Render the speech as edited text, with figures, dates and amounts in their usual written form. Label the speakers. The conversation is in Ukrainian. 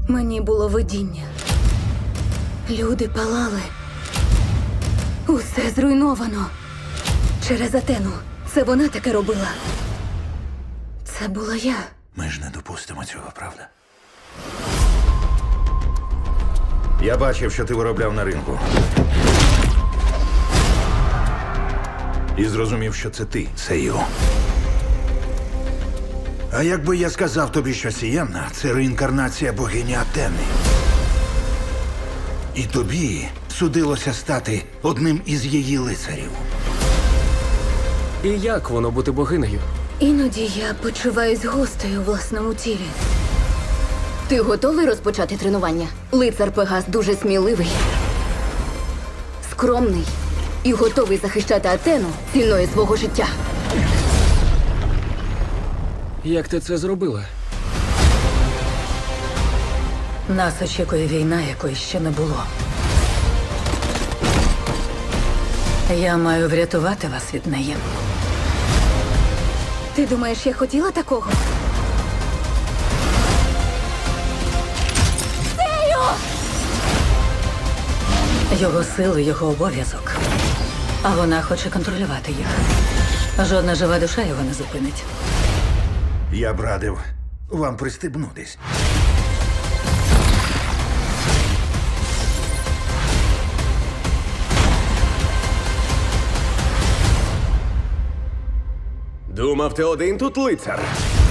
Speaker 1: Мені було видіння. Люди палали. Усе зруйновано. Через Атену. Це вона таке робила. Це була я.
Speaker 2: Ми ж не допустимо цього, правда? Я бачив, що ти виробляв на ринку. І зрозумів, що це ти, Сею. А якби я сказав тобі, що Сієнна – це реінкарнація богині Атени. І тобі судилося стати одним із її лицарів.
Speaker 3: І як воно бути богинею?
Speaker 1: Іноді я почуваюсь гостею у власному тілі.
Speaker 4: Ти готовий розпочати тренування? Лицар Пегас дуже сміливий, скромний і готовий захищати Атену ціною свого життя.
Speaker 3: Як ти це зробила?
Speaker 5: Нас очікує війна, якої ще не було. Я маю врятувати вас від неї.
Speaker 1: Ти думаєш, я хотіла такого?
Speaker 5: Його сили, його обов'язок. А вона хоче контролювати їх. Жодна жива душа його не зупинить.
Speaker 2: Я б радив вам пристебнутись.
Speaker 3: Думав, ти один тут лицар.